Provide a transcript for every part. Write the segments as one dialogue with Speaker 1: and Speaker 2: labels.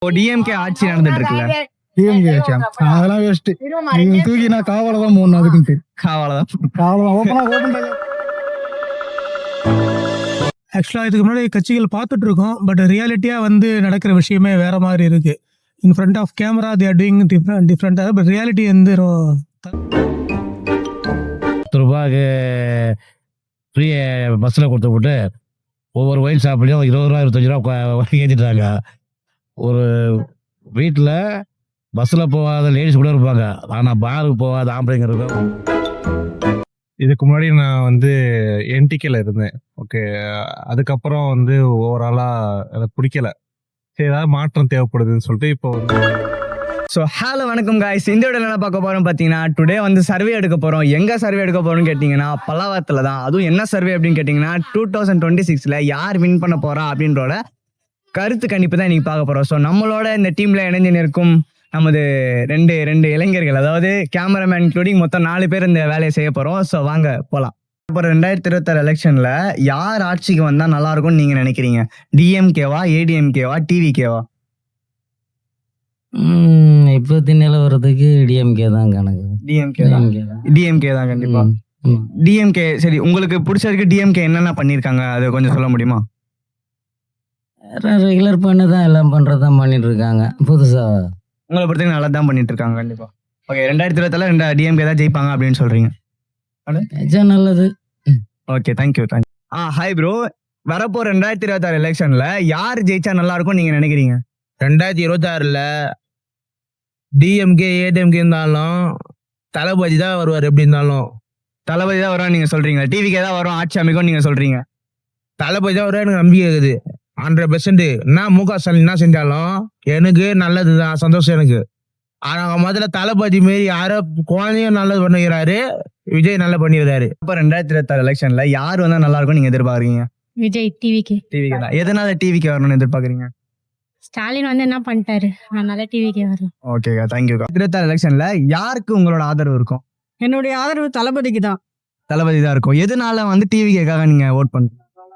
Speaker 1: DMK ஆட்சி நடந்துட்டு இருக்குல்ல,
Speaker 2: டிஎம்கே அதெல்லாம் வேஸ்ட். தூக்கி நான் காவலை தான் போடணும். அதுக்கு
Speaker 1: அவ்வளவுதான்.
Speaker 2: ஆக்சுவலாக இதுக்கு முன்னாடி கட்சிகள் பார்த்துட்டு இருக்கோம். பட் ரியாலிட்டியாக வந்து நடக்கிற விஷயமே வேற மாதிரி இருக்கு. In front of camera they are doing டிஃப்ரெண்டாக. பட் ரியாலிட்டி வந்து
Speaker 3: ரூபாய்க்கு ஃப்ரீ பஸ்ஸில் கொடுத்து விட்டு ஒவ்வொரு ஒயின் ஷாப்லேயும் 20 ரூபா 25 ரூபா ஏற்றிட்டாங்க. ஒரு வீட்டில் பஸ்ஸில் போகாத லேடிஸ் கூட இருப்பாங்க, ஆனால் பாருக்கு போகாத ஆம்பளைங்க இருக்கும்.
Speaker 4: இதுக்கு முன்னாடி நான் வந்து என்டிகேல இருந்தேன். ஓகே, அதுக்கப்புறம் வந்து ஓவராலாக எனக்கு பிடிக்கல. சரி, ஏதாவது மாற்றம் தேவைப்படுதுன்னு சொல்லிட்டு இப்போ வந்து
Speaker 1: ஸோ ஹலோ வணக்கம் காய்ஸ். இந்த வீடியோவில் என்ன பார்க்க போகிறோம் பார்த்தீங்கன்னா, டுடே வந்து சர்வே எடுக்க போகிறோம். எங்கே சர்வே எடுக்க போகிறோம்னு கேட்டிங்கன்னா பல்லாவரத்தில் தான். அதுவும் என்ன சர்வே அப்படின்னு கேட்டிங்கன்னா 2026 யார் வின் பண்ண போகிறா அப்படின்றோட கருத்து கணிப்பு தான் இன்றைக்கி பார்க்க போகிறோம். ஸோ நம்மளோட இந்த டீமில் இணைஞ்சு நிற்கும் நமது ரெண்டு இளைஞர்கள், அதாவது கேமராமேன் இன்க்ளூடிங் மொத்தம் 4 பேர் இந்த வேலையை செய்ய போகிறோம். ஸோ வாங்க போகலாம். இப்போ 2026 எலெக்ஷனில் யார் ஆட்சிக்கு வந்தால் நல்லாயிருக்கும்னு நீங்கள் நினைக்கிறீங்க? டிஎம்கேவா, ஏடிஎம்கேவா, டிவிகேவா?
Speaker 5: இப்போத்தி நிலவரத்துக்கு டிஎம்கே தான் கணக்கு.
Speaker 1: டிஎம்கே தான் கண்டிப்பா. டிஎம்கே சரி, உங்களுக்கு பிடிச்சதுக்கு டிஎம்கே என்னென்ன பண்ணியிருக்காங்க அதை கொஞ்சம் சொல்ல முடியுமா?
Speaker 5: ரெகுலர் பண்ணி தான் எல்லாம் பண்ணுறதான் பண்ணிட்டு இருக்காங்க. புதுசாக
Speaker 1: உங்களை பொறுத்தவரைக்கும் நல்லா தான் பண்ணிட்டு இருக்காங்க கண்டிப்பா. ஓகே, 2026 டிஎம்கே தான் ஜெயிப்பாங்க அப்படின்னு சொல்றீங்க.
Speaker 5: நல்லது.
Speaker 1: Okay, thank you. Hi bro. வரப்போ 2026 எலெக்ஷன்ல யார் ஜெயிச்சா நல்லா இருக்கும் நீங்க நினைக்கிறீங்க?
Speaker 6: 2026 டிஎம்கே ஏடிஎம்கே இருந்தாலும் தளபதி தான் வருவார். எப்படி இருந்தாலும்
Speaker 1: தளபதி தான் வரும் நீங்க சொல்றீங்க. டிவிக்கே தான் வரும், ஆட்சி அமைக்கும் நீங்க சொல்றீங்க.
Speaker 6: தளபதி தான் வருவார், எனக்கு நம்பிக்கை இருக்குது 100%. நான் முக ஸ்டாலின் என்ன செஞ்சாலும் எனக்கு நல்லது தான், சந்தோஷம் எனக்கு. ஆனா முதல்ல தளபதி மாரி யாரோ குழந்தையும் நல்லது பண்ணுகிறாரு, விஜய் நல்லா பண்ணிடுறாரு.
Speaker 1: இப்போ 2026 எலெக்ஷன்ல யார் வந்தா நல்லா இருக்கும் நீங்க எதிர்பார்க்குறீங்க?
Speaker 7: விஜய். டிவிக்கு
Speaker 1: தான். எதனால டிவிக்கு வரணும்னு எதிர்பார்க்குறீங்க?
Speaker 7: ஸ்டாலின் வந்து என்ன பண்ணிட்டாரு, அதனால டிவிக்கு வரலாம்.
Speaker 1: ஓகேக்கா, தேங்க்யூக்கா. 2026 எலெக்ஷன்ல யாருக்கு உங்களோட ஆதரவு இருக்கும்?
Speaker 8: என்னுடைய ஆதரவு தளபதிக்கு தான்.
Speaker 1: தளபதி தான் இருக்கும். எதனால வந்து டிவிக்காக நீங்க ஓட் பண்ணுங்க?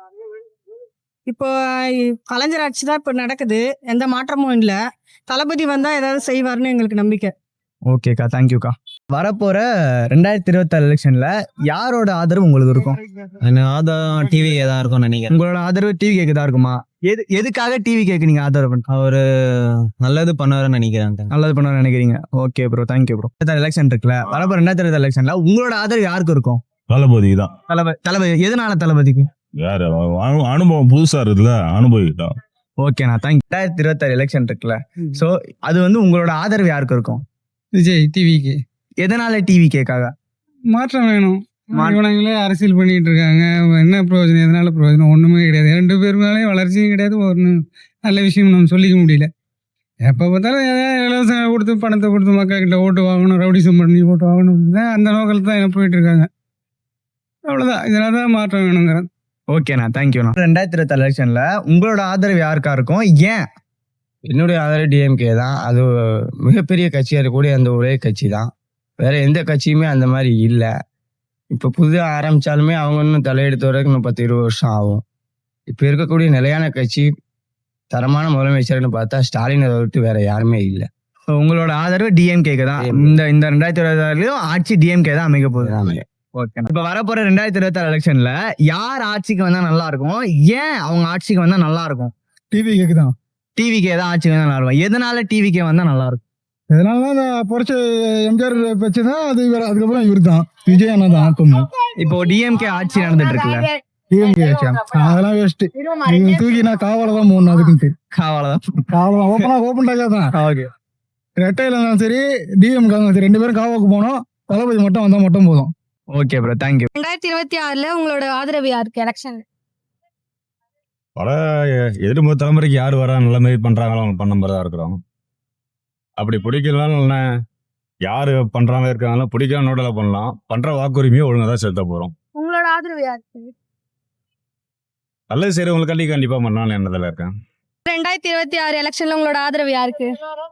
Speaker 8: இப்போ கலைஞர் ஆட்சி தான் இப்போ நடக்குது, எந்த மாற்றமும் இல்லை. தளபதி வந்தா ஏதாவது செய்வார்னு எங்களுக்கு நம்பிக்கை.
Speaker 1: ஓகேக்கா, தேங்க்யூக்கா. வரப்போற 2026 எலெக்ஷன்ல யாரோட ஆதரவு உங்களுக்கு இருக்கும்?
Speaker 5: ஆதாரம் டிவிக்கே தான் இருக்கும்னு நினைக்கிறேன்.
Speaker 1: உங்களோட ஆதரவு டிவிகேக்கு தான் இருக்குமா? எதுக்காக டிவிகேக்கு நீங்க ஆதரவு பண்ணுங்க?
Speaker 5: அவரு நல்லது பண்ணுவாருன்னு நினைக்கிறேன்.
Speaker 1: நல்லது பண்ண நினைக்கிறீங்க. Okay bro, thank you bro. Election இருக்குல்ல, வரப்போ 2026 எலெக்ஷன்ல உங்களோட ஆதரவு யாருக்கு இருக்கும்?
Speaker 9: தளபதி தான்.
Speaker 1: தளபதி. எதனால தளபதிக்கு?
Speaker 9: யாரு அனுபவம் புதுசா இருக்குல்ல, அனுபவிக்கிட்டோம்.
Speaker 1: ஓகேண்ணா, தேங்க்யூ. 2026 எலெக்ஷன் இருக்குல்ல, சோ அது வந்து உங்களோட ஆதரவு யாருக்கு இருக்கும்?
Speaker 2: விஜய். டிவிக்கு.
Speaker 1: எதனால டிவிகேக்காக?
Speaker 2: மாற்றம் வேணும். இவங்களே அரசியல் பண்ணிட்டு இருக்காங்க, என்ன பிரயோஜனம்? எதனால பிரயோஜனம்? ஒண்ணுமே கிடையாது. 2 பேருனாலே வளர்ச்சியும் கிடையாது, ஒரு நல்ல விஷயம் நம்ம சொல்லிக்க முடியல. எப்போ பார்த்தாலும் ஏதாவது இலவசம் கொடுத்து பணத்தை கொடுத்து மக்கள் கிட்ட ஓட்டு வாங்கணும், ரவுடிசம் பண்ணி ஓட்டு வாங்கணும், அந்த நோக்கில் தான் போயிட்டு இருக்காங்க. அவ்வளோதான். இதனால தான் மாற்றம் வேணுங்கிறேன்.
Speaker 1: ஓகேண்ணா, தேங்க்யூண்ணா. 2026 எலெக்ஷன்ல உங்களோட ஆதரவு யாருக்கா இருக்கும்? ஏன்?
Speaker 5: என்னுடைய ஆதரவு டிஎம்கே தான். அது மிகப்பெரிய கட்சியாக இருக்கக்கூடிய அந்த ஒரே கட்சி தான். வேற எந்த கட்சியுமே அந்த மாதிரி இல்லை. இப்போ புதுதாக ஆரம்பித்தாலுமே அவங்க இன்னும் தலையெடுத்து வரதுக்கு இன்னும் 10-20 வருஷம் ஆகும். இப்போ இருக்கக்கூடிய நிலையான கட்சி தரமான முதலமைச்சர்னு பார்த்தா ஸ்டாலினை விட்டு வேற யாருமே இல்லை.
Speaker 1: உங்களோட ஆதரவு டிஎம்கேக்கு தான். இந்த 2026 ஆட்சி டிஎம்கே தான் அமைக்க போகுது. ஓகே, இப்ப வரப்போற 2026 எலெக்ஷன்ல யார் ஆட்சிக்கு வந்தா நல்லா இருக்கும்? ஏன் அவங்க ஆட்சிக்கு வந்தா நல்லா இருக்கும்?
Speaker 2: டிவிக்கு தான்.
Speaker 1: டிவிக்கே தான் ஆட்சிக்கு வந்தா நல்லா இருக்கும். எதனால டிவிக்கே வந்தா நல்லா இருக்கும்?
Speaker 2: இதனால பொறிச்ச எம்ஜிஆர் வச்சு தான் அது. அதுக்கப்புறம் இவர் தான், விஜய் அண்ணா தான் ஆக்கணும்.
Speaker 1: இப்போ டிஎம்கே ஆட்சி நடந்துட்டு இருக்குல்ல,
Speaker 2: டிஎம்கே அதெல்லாம் வேஸ்ட். தூக்கி நான் காவலை தான் போடணும். அதுக்கு
Speaker 1: அவ்வளவுதான்.
Speaker 2: ஓப்பன் டாக்கா தான்.
Speaker 1: ஓகே,
Speaker 2: ரெட்டையில இருந்தாலும் சரி, டிஎம்கே சரி, 2 பேரும் காவாக்கு போனோம். தளபதி மட்டும் வந்தா மட்டும் போதும்.
Speaker 1: Okay bro, thank you.
Speaker 7: 2026 உங்களோட ஆதரவு யாருக்கு எலெக்ஷன்?
Speaker 9: பல எதிர்ப்பு தலைமுறைக்கு யார் வர நல்ல மாதிரி பண்றாங்களோ அவங்க பண்ண மாதிரி தான் இருக்கிறோம். அப்படி பிடிக்கலனாலும் யாரு பண்றாங்க இருக்காங்களோ பிடிக்காம நோட்டல பண்ணலாம். பண்ற வாக்குரிமையை ஒழுங்கா தான் செலுத்த போறோம்.
Speaker 7: உங்களோட ஆதரவு யாருக்கு?
Speaker 9: நல்லது சரி, உங்களுக்கு கண்டிப்பா பண்ணாலும் என்னதில் இருக்கேன்.
Speaker 7: 2026 எலெக்ஷன்ல உங்களோட ஆதரவு யாருக்கு?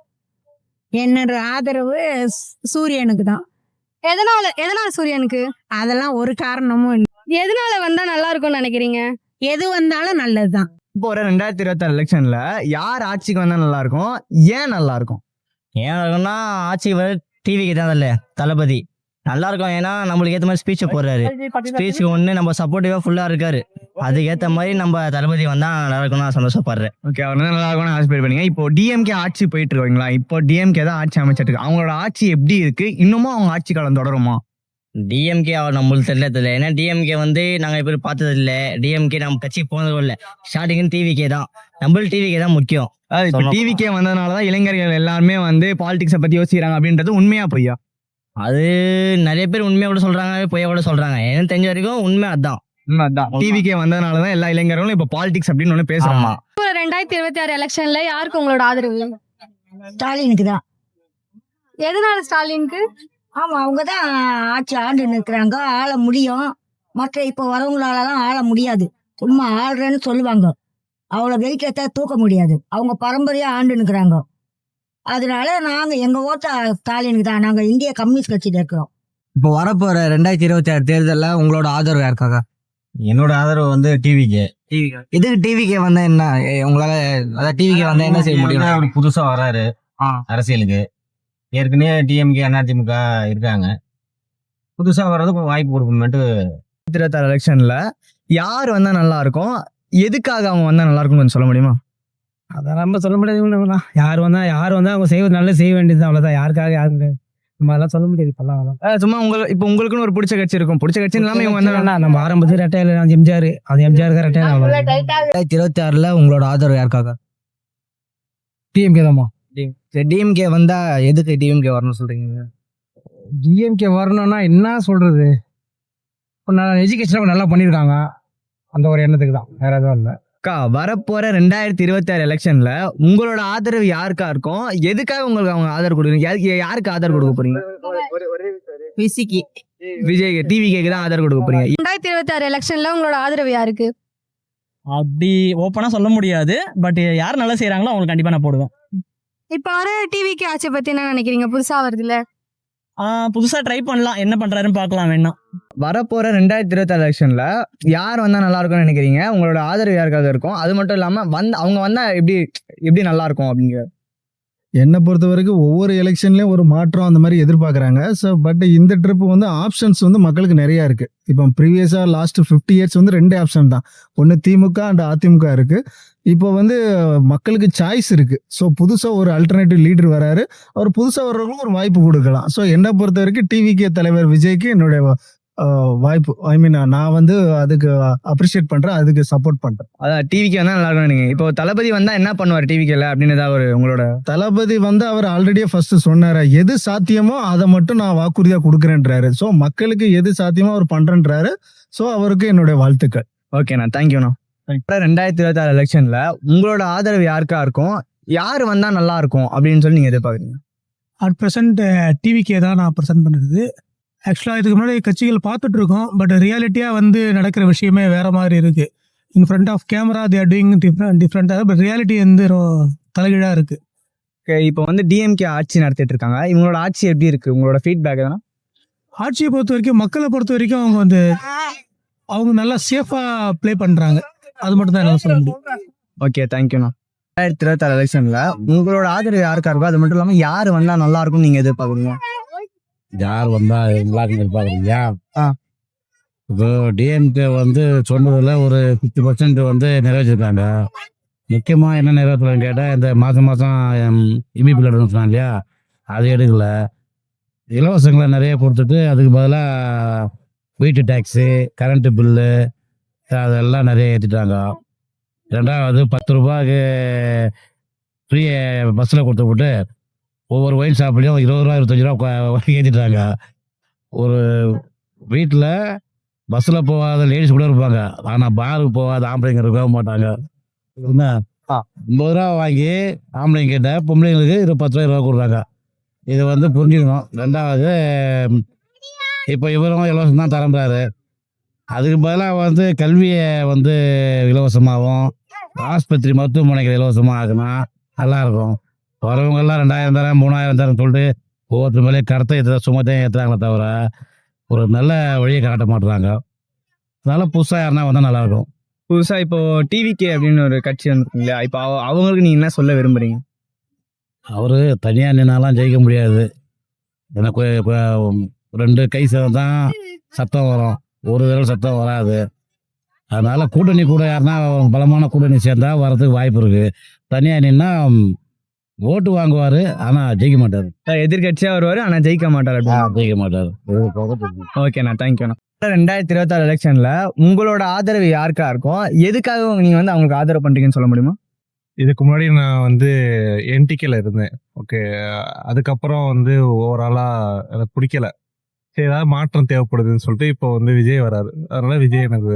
Speaker 8: என்னோட ஆதரவு சூரியனுக்கு தான்.
Speaker 7: எதனால சூரியனுக்கு?
Speaker 8: அதெல்லாம் ஒரு காரணமும் இல்லை.
Speaker 7: எதனால வந்தா நல்லா இருக்கும்னு நினைக்கிறீங்க?
Speaker 8: எது வந்தாலும் நல்லதுதான்.
Speaker 1: போற 2026 எலெக்ஷன்ல யார் ஆட்சிக்கு வந்தா நல்லா இருக்கும், ஏன் நல்லா இருக்கும்?
Speaker 5: ஏன் இருக்குன்னா ஆட்சிக்கு வர டிவிக்கு தான் இல்லை தளபதி நல்லா இருக்கும். ஏன்னா நம்மளுக்கு ஏற்ற மாதிரி ஸ்பீச்சை போடுறாரு. ஸ்பீச்சுக்கு ஒன்று நம்ம சப்போர்ட்டிவாக ஃபுல்லாக இருக்காரு. அதுக்கேற்ற மாதிரி நம்ம தளபதி வந்தால் நல்லா இருக்கும்னு நான் சந்தோஷப்படுறேன்.
Speaker 1: ஓகே, அவர் வந்து நல்லா இருக்கும்னு ஆஸ்பைர் பண்ணீங்க. இப்போ டிஎம்கே ஆட்சி போயிட்டு இருக்கீங்களா? இப்போ டிஎம்கே தான் ஆட்சி அமைச்சிட்டு இருக்கு. அவங்களோட ஆட்சி எப்படி இருக்கு? இன்னமும் அவங்க ஆட்சி காலம் தொடருமா?
Speaker 5: டிஎம்கே அவர் நம்மளுக்கு தெரியல. ஏன்னா டிஎம்கே வந்து நாங்கள் எப்படி பார்த்தது இல்லை. டிஎம்கே நம்ம கட்சிக்கு போனதும் இல்லை. ஸ்டார்டிங் டிவிக்கே தான், நம்மளுக்கு டிவிக்கே தான் முக்கியம்.
Speaker 1: இப்போ டிவிகே வந்ததுனாலதான் இளைஞர்கள் எல்லாருமே வந்து பாலிடிக்ஸை பத்தி யோசிக்கிறாங்க அப்படின்றது உண்மையா பொய்யா?
Speaker 5: அது நிறைய பேர் உண்மையை கூட சொல்றாங்க, பொய்யா கூட சொல்றாங்க. எனக்கு தெரிஞ்ச வரைக்கும் உண்மை அதான்.
Speaker 1: டிவிகே வந்ததுனாலதான் எல்லா இளைஞர்களும் இப்ப பாலிடிக்ஸ் அப்படின்னு ஒண்ணு பேசுறாங்க.
Speaker 7: 2026 எலெக்ஷன்ல யாருக்கு உங்களோட ஆதரவு?
Speaker 8: ஸ்டாலினுக்கு தான்.
Speaker 7: எதனால ஸ்டாலினுக்கு?
Speaker 8: ஆமா, அவங்க தான் ஆட்சி ஆண்டு நிற்கிறாங்க, ஆள முடியும். மற்ற இப்போ வரவங்களாலலாம் ஆள முடியாது. சும்மா ஆள்றேன்னு சொல்லுவாங்க, அவ்வளோ வெயிட்டத்தை தூக்க முடியாது. அவங்க பரம்பரையா ஆண்டு நிற்கிறாங்க. அதனால நாங்க எங்க ஓட்ட ஸ்டாலினுக்கு தான். நாங்க இந்திய கம்யூனிஸ்ட் கட்சியில இருக்கிறோம்.
Speaker 5: இப்போ வரப்போற 2026 தேர்தலில் உங்களோட ஆதரவு யாருக்காக?
Speaker 10: என்னோட ஆதரவு வந்து டிவிக்கு.
Speaker 5: இதுக்கு டிவிக்கே வந்தா என்ன உங்களால, அதாவது டிவிக்கே வந்தா என்ன செய்ய முடியும்?
Speaker 10: அவர் புதுசா வராரு அரசியலுக்கு. ஏற்கனவே டிஎம்கே அதிமுக இருக்காங்க. புதுசா வர்றதுக்கு வாய்ப்பு கொடுக்கணும்ட்டு.
Speaker 1: 2026 எலெக்ஷன்ல யார் வந்தா நல்லா இருக்கும், எதுக்காக அவங்க வந்தா நல்லா இருக்கும்னு கொஞ்சம் சொல்ல முடியுமா?
Speaker 2: அதான் நம்ம சொல்ல முடியாது. யார் வந்தா அவங்க செய்வது நல்லது செய்ய வேண்டியது, அவ்வளோதான். யாருக்காக யாருக்கு நம்ம அதெல்லாம் சொல்ல முடியாது இப்பெல்லாம்.
Speaker 1: சும்மா இப்போ உங்களுக்குன்னு ஒரு பிடிச்ச கட்சி இருக்கும். பிடிச்ச கட்சி இல்லாம இவங்க வந்தா
Speaker 2: நம்ம ஆரம்பத்தில் ரெட்டையில எம்ஜிஆர், அது எம்ஜிஆருக்கு ரெட்டையில.
Speaker 5: 2026 உங்களோட ஆதரவு யாருக்காக?
Speaker 2: டிஎம்கே தான்மா.
Speaker 5: டிஎம்கே வந்தா எதுக்கு டிஎம்கே வரணும்னு சொல்றீங்க?
Speaker 2: டிஎம்கே வரணும்னா என்ன சொல்றது, இப்போ நான் எஜுகேஷன் நல்லா பண்ணியிருக்காங்க, அந்த ஒரு எண்ணத்துக்கு தான், வேற எதுவும் இல்லை.
Speaker 1: வரப்போற 2026 எலெக்ஷன்ல உங்களோட ஆதரவு யாருக்கா இருக்கும், எதுக்காக உங்களுக்கு அவங்க ஆதரவு கொடுக்குறீங்க, யாருக்கு ஆதரவு கொடுக்க போறீங்க? விஜய் டிவிகேக்கு தான் ஆதரவு கொடுக்க போறீங்க.
Speaker 7: 2026 எலெக்ஷன்ல உங்களோட ஆதரவு யாருக்கு?
Speaker 5: அப்படி ஓப்பனா சொல்ல முடியாது. பட் யார் நல்லா செய்யறாங்களோ அவங்களுக்கு கண்டிப்பா நான் போடுவேன்.
Speaker 7: இப்போ வர டிவிக்கு ஆட்சி பத்தி என்ன நினைக்கிறீங்க? புதுசா வருதுல்ல,
Speaker 5: புதுசா ட்ரை பண்ணலாம், என்ன பண்றாருன்னு பார்க்கலாம் வேணா.
Speaker 1: வரப்போற 2026 எலெக்ஷன்ல யார் வந்தா நல்லா இருக்கும்னு நினைக்கிறீங்க? உங்களோட ஆதரவு யாருக்காக இருக்கும்? அது மட்டும் இல்லாம அவங்க வந்தா எப்படி நல்லா இருக்கும் அப்படிங்க?
Speaker 11: என்னை பொறுத்த வரைக்கும் ஒவ்வொரு எலெக்ஷன்லேயும் ஒரு மாற்றம் அந்த மாதிரி எதிர்பார்க்குறாங்க. ஸோ பட் இந்த ட்ரிப் வந்து ஆப்ஷன்ஸ் வந்து மக்களுக்கு நிறையா இருக்குது. இப்போ ப்ரீவியஸாக லாஸ்ட் 50 இயர்ஸ் வந்து 2 ஆப்ஷன் தான், ஒன்று திமுக அண்ட் அதிமுக இருக்குது. இப்போ வந்து மக்களுக்கு சாய்ஸ் இருக்குது. ஸோ புதுசாக ஒரு அல்டர்னேட்டிவ் லீடர் வராரு, அவர் புதுசாக வர்றவங்களுக்கும் ஒரு வாய்ப்பு கொடுக்கலாம். ஸோ என்னை பொறுத்த வரைக்கும் டிவிகே தலைவர் விஜய்க்கு என்னுடைய வாய்ப்பு, ஐ மீன் நான் வந்து அதுக்கு அப்ரிஷியேட் பண்ணுறேன், அதுக்கு சப்போர்ட் பண்ணுறேன்.
Speaker 1: அதான் டிவிக்கு வந்தா நல்லா இருக்கும் நீங்க. இப்போ தளபதி வந்தா என்ன பண்ணுவார் டிவிக்கேல அப்படின்னு ஏதாவது உங்களோட?
Speaker 11: தளபதி வந்து அவர் ஆல்ரெடியே ஃபர்ஸ்ட் சொன்னாரு, எது சாத்தியமோ அதை மட்டும் நான் வாக்குறுதியா கொடுக்குறேன்றாரு. ஸோ மக்களுக்கு எது சாத்தியமோ அவர் பண்றேன்றாரு. ஸோ அவருக்கு என்னுடைய வாழ்த்துக்கள்.
Speaker 1: ஓகேண்ணா, தேங்க்யூண்ணா. 2026 எலெக்ஷன்ல உங்களோட ஆதரவு யாருக்கா இருக்கும், யார் வந்தா நல்லா இருக்கும் அப்படின்னு சொல்லி நீங்க எதிர்பார்க்குறீங்க?
Speaker 2: அட் ப்ரெசென்ட் டிவிக்கே தான் நான் ப்ரெசென்ட் பண்ணுறது. ஆக்சுவலாக இதுக்கு முன்னாடி கட்சிகள் பார்த்துட்டு இருக்கோம், பட் ரியாலிட்டியாக வந்து நடக்கிற விஷயமே வேற மாதிரி இருக்குது. In front of camera they are doing டிஃப்ரெண்ட்டாக, பட் ரியாலிட்டி வந்து தலைகீழாக இருக்குது.
Speaker 1: ஓகே, இப்போ வந்து டிஎம்கே ஆட்சி நடத்திட்டு இருக்காங்க. இவங்களோட ஆட்சி எப்படி இருக்கு, உங்களோட ஃபீட்பேக் எதனா?
Speaker 2: ஆட்சியை பொறுத்த வரைக்கும், மக்களை பொறுத்த வரைக்கும் அவங்க நல்லா சேஃபாக ப்ளே பண்ணுறாங்க. அது மட்டும் தான் என்னால் சொல்ல முடியும்.
Speaker 1: ஓகே, தேங்க்யூண்ணா. 2026 எலெக்ஷன்ல உங்களோட ஆதரவு யாருக்கா இருக்கோ, அது மட்டும் இல்லாம யார் வந்தா நல்லா இருக்கும் நீங்க எதிர்பார்க்குறீங்க?
Speaker 3: யார் வந்தா நல்லா எதிர்பார்க்குறீங்க? இப்போ டிஎம்கே வந்து சொன்னதில் ஒரு 50% வந்து நிறைவேற்றிருக்காங்க. முக்கியமாக என்ன நிறைவேற்றலன்னு கேட்டால், இந்த மாதம் இபி பில் எடுக்கணும் சொன்னாங்க இல்லையா, அது எடுக்கல. இலவசங்களை நிறைய கொடுத்துட்டு அதுக்கு பதிலாக வீட்டு டேக்ஸு, கரண்ட்டு பில்லு அதெல்லாம் நிறைய ஏற்றிட்டாங்க. ரெண்டாவது 10 ரூபாய்க்கு ஃப்ரீ பஸ்ஸில் கொடுத்து விட்டு ஒவ்வொரு ஒயின் ஷாப்லேயும் 20 ரூபா 25 ரூபா ஏற்றிட்டாங்க. ஒரு வீட்டில் பஸ்ஸில் போகாத லேடிஸ் கூட இருப்பாங்க, ஆனால் பாருக்கு போகாத ஆம்பளைங்க இருக்கவே மாட்டாங்க. என்ன 50 ரூபா வாங்கி ஆம்பளைங்கிட்ட பொம்பளைங்களுக்கு 10 ரூபா 20 ரூபா கொடுக்குறாங்க. இது வந்து புரிஞ்சுக்கணும். ரெண்டாவது இப்போ இவரும் இலவசம் தான் தரம்புறாரு. அதுக்கு பதிலாக வந்து கல்வியை வந்து இலவசமாகவும், ஆஸ்பத்திரி மருத்துவமனைகள் இலவசமாக ஆகுனா நல்லாயிருக்கும். வரவங்கெல்லாம் 2000 தரேன் 3000 தரேன் சொல்லிட்டு ஒவ்வொருத்தர் மேலே கருத்தை சுமத்தையும் ஏற்றுறாங்களே தவிர ஒரு நல்ல வழியை காட்ட மாட்டுறாங்க. அதனால புதுசாக யாருன்னா வந்தால் நல்லாயிருக்கும்.
Speaker 1: புதுசா இப்போ டிவிகே அப்படின்னு ஒரு கட்சி வந்துருக்கு இல்லையா? இப்போ அவங்களுக்கு நீங்க என்ன சொல்ல விரும்புறீங்க?
Speaker 3: அவரு தனியாக நின்னாலாம் ஜெயிக்க முடியாது. எனக்கு இப்போ 2 கை தான் சத்தம் வரும், ஒரு விரல் சத்தம் வராது. அதனால கூட்டணி கூட யாருன்னா பலமான கூட்டணி சேர்ந்தா வரதுக்கு வாய்ப்பு இருக்கு. தனியாக நின்னா ஓட்டு வாங்குவாரு, ஆனால் ஜெயிக்க மாட்டார்.
Speaker 1: எதிர்கட்சியா வருவாரு ஆனா ஜெயிக்க மாட்டார் அப்படின்னு.
Speaker 3: ஜெயிக்க மாட்டார்.
Speaker 1: ஓகேண்ணா, தேங்க்யூண்ணா. 2026 எலெக்ஷன்ல உங்களோட ஆதரவு யாருக்கா இருக்கும்? எதுக்காக நீங்க வந்து அவங்களுக்கு ஆதரவு பண்றீங்கன்னு சொல்ல முடியுமா?
Speaker 4: இதுக்கு முன்னாடி நான் வந்து என்டிகேல இருந்தேன். ஓகே, அதுக்கப்புறம் வந்து ஓவராலா எனக்கு பிடிக்கல. சரி, ஏதாவது மாற்றம் தேவைப்படுதுன்னு சொல்லிட்டு இப்போ வந்து விஜய் வராரு. அதனால விஜய் எனக்கு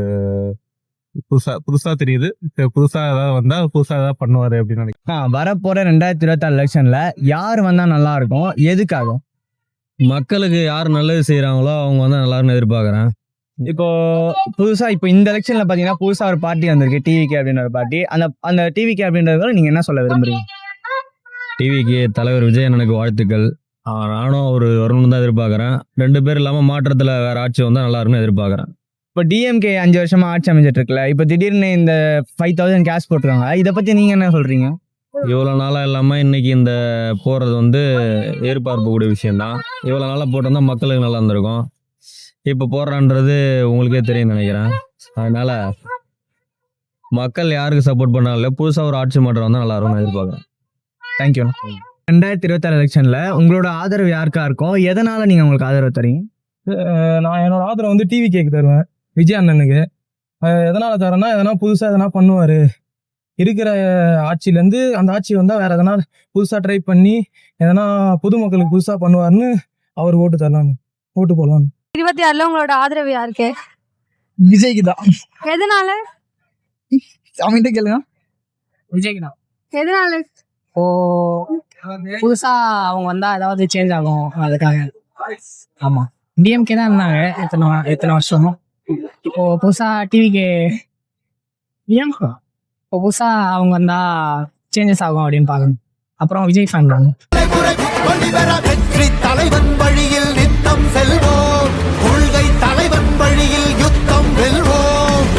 Speaker 4: புதுசா தெரியுது. சரி, புதுசா ஏதாவது வந்தா புதுசா ஏதாவது பண்ணுவாரு அப்படின்னு நினைக்கிறேன்.
Speaker 1: வரப்போற 2026 எலெக்ஷன்ல யார் வந்தா நல்லா இருக்கும்? எதுக்காக?
Speaker 5: மக்களுக்கு யார் நல்லது செய்கிறாங்களோ அவங்க வந்து நல்லா இருக்குன்னு எதிர்பார்க்குறேன்.
Speaker 1: இப்போ புதுசா இப்போ இந்த எலெக்ஷன்ல பாத்தீங்கன்னா புதுசா ஒரு பார்ட்டி வந்திருக்கு, டிவிகே அப்படின்ற ஒரு பார்ட்டி. அந்த டிவிகே அப்படின்றத நீங்க என்ன சொல்ல விரும்புறீங்க?
Speaker 5: டிவிக்கு தலைவர் விஜய் எனக்கு வாழ்த்துக்கள். நானும் அவர் வரணும்னு தான் எதிர்பார்க்குறேன். 2 பேர் இல்லாமல் மாற்றத்தில் வேறு ஆட்சி வந்தால் நல்லா இருக்குன்னு எதிர்பார்க்குறேன்.
Speaker 1: இப்போ டிஎம்கே 5 வருஷமா ஆட்சி அமைஞ்சிட்டு இருக்குல்ல, இப்போ திடீர்னு இந்த 5000 கேஷ் போட்டுருக்காங்க, இதை பத்தி நீங்க என்ன சொல்றீங்க?
Speaker 5: இவ்வளோ நாளாக இல்லாமல் இன்னைக்கு இந்த போடுறது வந்து எதிர்பார்க்கக்கூடிய விஷயந்தான். இவ்வளோ நாளாக போட்டிருந்தா மக்களுக்கு நல்லா இருந்திருக்கும். இப்போ போடுறான்றது உங்களுக்கே தெரியும் நினைக்கிறேன். அதனால மக்கள் யாருக்கு சப்போர்ட் பண்ணாலும் புதுசாக ஒரு ஆட்சி மாற்றம் வந்தால் நல்லா இருக்கும்னு எதிர்பார்க்குறேன்.
Speaker 1: தேங்க்யூ. 2026 எலெக்ஷன்ல உங்களோட ஆதரவு யாருக்கா இருக்கும்? எதனால நீங்க உங்களுக்கு ஆதரவு தரீங்க?
Speaker 2: நான் என்னோட ஆதரவு வந்து டிவி கேக்கு தருவேன், விஜய் அண்ணனுக்கு. எதனால தரேன்னா, எதனா புதுசாக எதனா பண்ணுவார். இருக்கிற ஆட்சியிலேருந்து அந்த ஆட்சி வந்தால் வேற எதனா புதுசாக ட்ரை பண்ணி எதனா பொதுமக்களுக்கு புதுசாக பண்ணுவார்னு அவர் ஓட்டு தரலான்னு, ஓட்டு போடலான்னு.
Speaker 7: 26ல உங்களோட ஆதரவு யாருக்கு?
Speaker 2: விஜய்க்கு தான்.
Speaker 7: எதனால?
Speaker 2: அவன்கிட்ட கேளுங்க.
Speaker 12: விஜய்க்கு தான்.
Speaker 7: எதனால?
Speaker 12: இப்போ புதுசா அவங்க வந்தா ஏதாவது சேஞ்ச் ஆகும், அதுக்காக. ஆமா, டிஎம்கே தான் இருந்தாங்க எத்தனை வருஷம். இப்போ புதுசா டிவிக்கு இப்போ புதுசா அவங்க வந்தா சேஞ்சஸ் ஆகும் அப்படின்னு பார்க்கணும். அப்புறம் விஜய் ஃபேன் தான்.